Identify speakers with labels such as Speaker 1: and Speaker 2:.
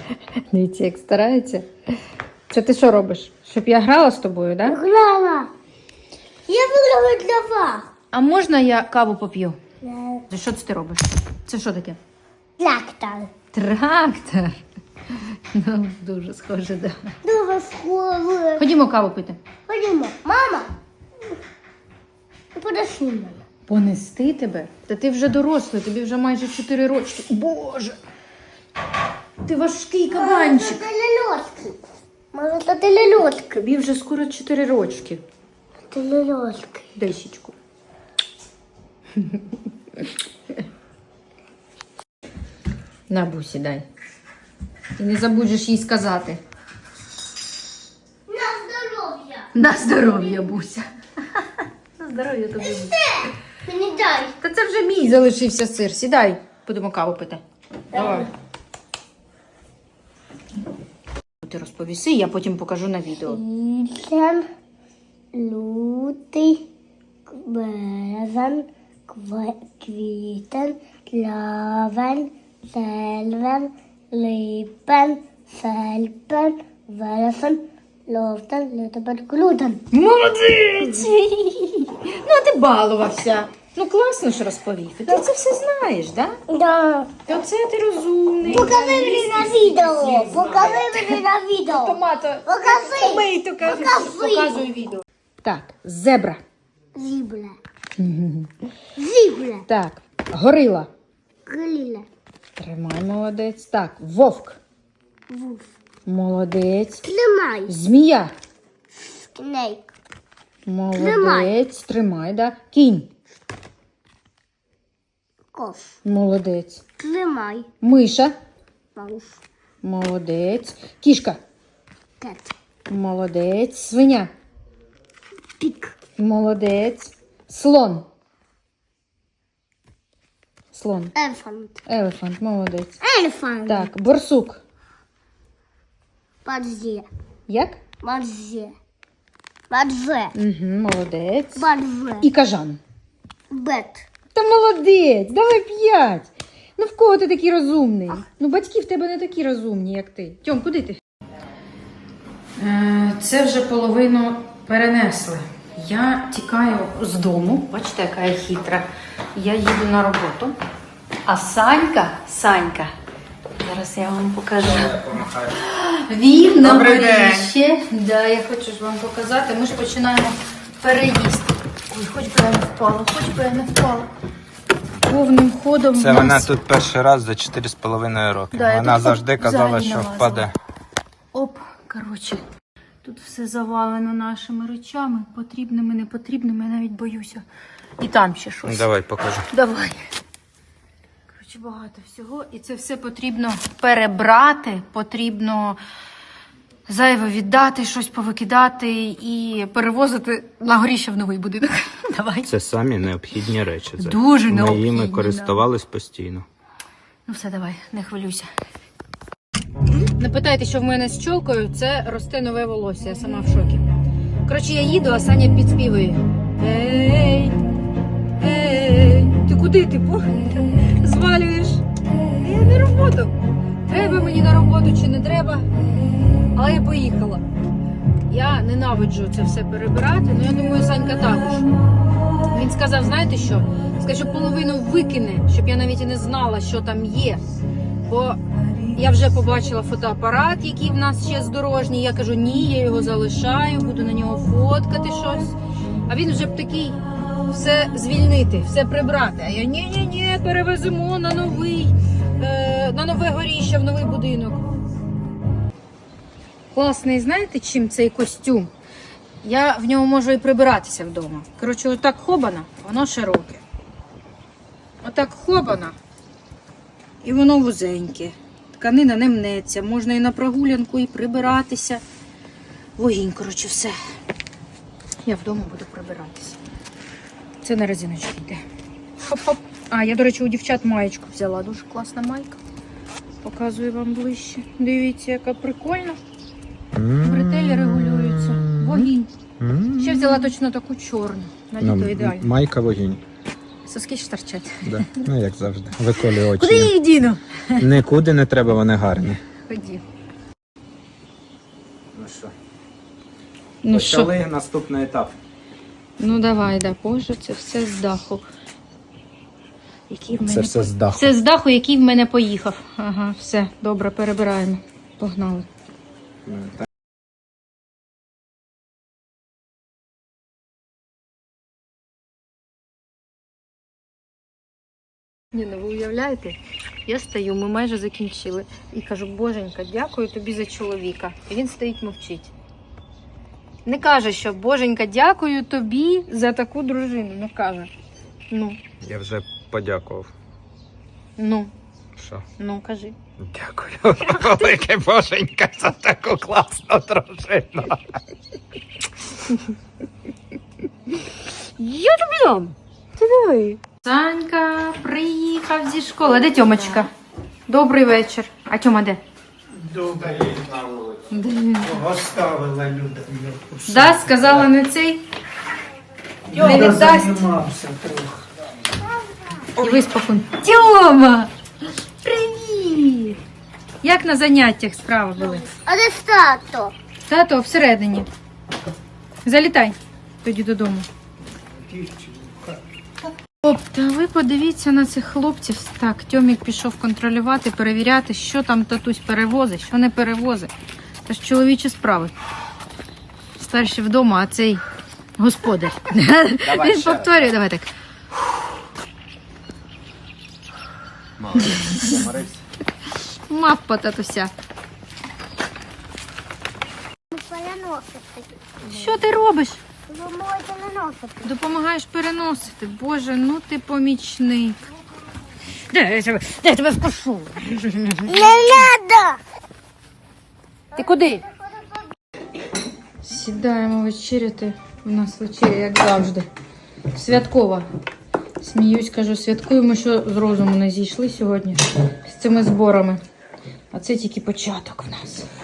Speaker 1: Дивіться, як старається. Це ти що робиш? Щоб я грала з тобою, так? Да?
Speaker 2: Грала. Я виграла для вас.
Speaker 1: А можна я каву поп'ю?
Speaker 2: Да.
Speaker 1: Що це ти робиш? Це що таке?
Speaker 2: Трактор.
Speaker 1: Трактор. Ну, дуже схоже, да.
Speaker 2: Дуже схоже.
Speaker 1: Ходімо каву пити.
Speaker 2: Ходімо. Мама. Подошли мене.
Speaker 1: Понести тебе? Та ти вже дорослий, тобі вже майже 4 рочки. Боже! Ти важкий кабанчик.
Speaker 2: Це ляльотки. Мама, це ляльотки.
Speaker 1: Тобі вже скоро 4 рочки.
Speaker 2: Це ляльотки.
Speaker 1: Дай щічку. На, Бусі, дай. І не забудеш їй сказати.
Speaker 2: На здоров'я.
Speaker 1: На здоров'я, Буся. На здоров'я тобі.
Speaker 2: Мені дай.
Speaker 1: Та це вже мій залишився сир. Сідай, будемо каву пити. Давай. Ти розповіси, я потім покажу на відео.
Speaker 2: Січень, лютий, березень, квітень, травень, червень, липень, серпень, вересень, жовтень, листопад, грудень.
Speaker 1: Молодець! Ну, а ти балувався. Ну, класно ж розповів. Ти це все знаєш, так? Да?
Speaker 2: Да.
Speaker 1: То це ти розумний.
Speaker 2: Покажи мені на відео. Покажи мені на відео.
Speaker 1: Томато.
Speaker 2: Покажи.
Speaker 1: Помий, то кажи.
Speaker 2: Покажи.
Speaker 1: Показуй відео. Так, зебра.
Speaker 2: Зібля. Зібля.
Speaker 1: Так, горила.
Speaker 2: Гліля.
Speaker 1: Тримай, молодець. Так, вовк.
Speaker 2: Вуз.
Speaker 1: Молодець.
Speaker 2: Тримай.
Speaker 1: Змія.
Speaker 2: Снейк.
Speaker 1: Молодець. Тримай, да. Кінь.
Speaker 2: Кос.
Speaker 1: Молодець.
Speaker 2: Тримай.
Speaker 1: Миша.
Speaker 2: Маус.
Speaker 1: Молодець. Кішка.
Speaker 2: Кет.
Speaker 1: Молодець. Свиня.
Speaker 2: Пік.
Speaker 1: Молодець. Слон. Слон.
Speaker 2: Елефант.
Speaker 1: Елефант. Молодець.
Speaker 2: Елефант.
Speaker 1: Так, борсук.
Speaker 2: Бадзе.
Speaker 1: Як?
Speaker 2: Бадзе. Бадзе.
Speaker 1: Угу, молодець.
Speaker 2: Бадзе.
Speaker 1: І кажан.
Speaker 2: Бет.
Speaker 1: Та молодець, давай 5. Ну в кого ти такий розумний? Ну батьки в тебе не такі розумні, як ти. Тьом, куди ти? Це вже половину перенесли. Я тікаю з дому. Бачите, яка я хитра. Я їду на роботу. А Санька, зараз я вам покажу. Він на горіще. Да, я хочу ж вам показати. Ми ж починаємо переїзд. Ой, хоч би я не впала, Повним ходом.
Speaker 3: Це вона тут перший раз за 4,5 роки.
Speaker 1: Да,
Speaker 3: вона завжди казала,
Speaker 1: взагалі
Speaker 3: що
Speaker 1: налазила.
Speaker 3: впаде.
Speaker 1: Оп, коротше. Тут все завалено нашими речами, потрібними, непотрібними, я навіть боюся. І там ще щось.
Speaker 3: Давай, покажу.
Speaker 1: Давай. Коротше, багато всього. І це все потрібно перебрати, потрібно зайве віддати, щось повикидати і перевозити на горіще в новий будинок. Давай.
Speaker 3: Це самі необхідні речі. Це.
Speaker 1: Дуже
Speaker 3: Ми
Speaker 1: необхідні,
Speaker 3: їми користувались постійно.
Speaker 1: Ну все, давай, не хвилюйся. Не питайте, що в мене з чолкою, це росте нове волосся, я сама в шокі. Коротше, я їду, а Саня підспівує. Ей, ти куди ти звалюєш? Я на роботу. Треба мені на роботу чи не треба, але я поїхала. Я ненавиджу це все перебирати, але я думаю, Санька також. Він сказав, знаєте що? Сказав, що половину викине, щоб я навіть і не знала, що там є. Бо я вже побачила фотоапарат, який в нас ще здорожній. Я кажу, ні, я його залишаю, буду на нього фоткати щось. А він вже б такий, все звільнити, все прибрати. А я, ні, перевеземо на нове горіще, в новий будинок. Класний, знаєте, чим цей костюм? Я в ньому можу і прибиратися вдома. Коротше, отак хобана, воно широке. Отак хобана, і воно вузеньке. Тканина не мнеться, можна і на прогулянку, і прибиратися. Вогінь, коротше, все. Я вдома буду прибиратися. Це на резиночку йде. Хоп-хоп. А, я, до речі, у дівчат маєчку взяла. Дуже класна майка. Показую вам ближче. Дивіться, яка прикольна. Бретелі регулюються. Вогінь. Ще взяла точно таку чорну. На літо ідеально.
Speaker 3: Майка вогінь.
Speaker 1: Соски ж торчать.
Speaker 3: Да. Ну, як завжди. Виколює очі.
Speaker 1: Куди я їх діну?
Speaker 3: Нікуди не треба, вони гарні.
Speaker 1: Ході.
Speaker 3: Ну що,
Speaker 1: Ну що?
Speaker 3: почали наступний етап.
Speaker 1: Ну давай, да. Боже, це все з даху. Який в мене
Speaker 3: Це все з даху.
Speaker 1: Це з даху, який в мене поїхав. Ага, все, добре, перебираємо. Погнали. Ні, ну ви уявляєте? Я стою, ми майже закінчили. І кажу, Боженька, дякую тобі за чоловіка. І він стоїть, мовчить. Не каже, що Боженька, дякую тобі за таку дружину. Не каже. Ну,
Speaker 3: Я вже подякував. Що?
Speaker 1: кажи.
Speaker 3: Дякую, велике Боженька, за таку класну дружину.
Speaker 1: Я тобі дам. Ти диви. Санька приїхав зі школи. А де Тьомочка? Добрий вечір. А Тьома де?
Speaker 4: Добре,
Speaker 1: Де?
Speaker 4: оставила Люда.
Speaker 1: Да, сказала не цей. Не
Speaker 4: Я
Speaker 1: віддасть.
Speaker 4: займався трохи.
Speaker 1: І виспокон. Тьома! Привіт! Як на заняттях справи були?
Speaker 2: А де тато?
Speaker 1: Тато всередині. Залітай тоді додому. Оп, та ви подивіться на цих хлопців. Так, Тьомік пішов контролювати, перевіряти, що там татусь перевозить, що не перевозить. Це ж чоловічі справи. Старші вдома, а цей господар. Він повторює, давай так. Мавпа татуся.
Speaker 2: Переносити.
Speaker 1: Що ти робиш?
Speaker 2: Ви можете не носити.
Speaker 1: Допомагаєш переносити. Боже, ну ти помічник. Де я тебе вкушу?
Speaker 2: Не надо!
Speaker 1: Ти куди? Сідаємо вечеряти. У нас вечеря, як завжди. Святкова. Сміюсь, кажу, святкуємо, що з розуму не зійшли сьогодні з цими зборами. А це тільки початок в нас.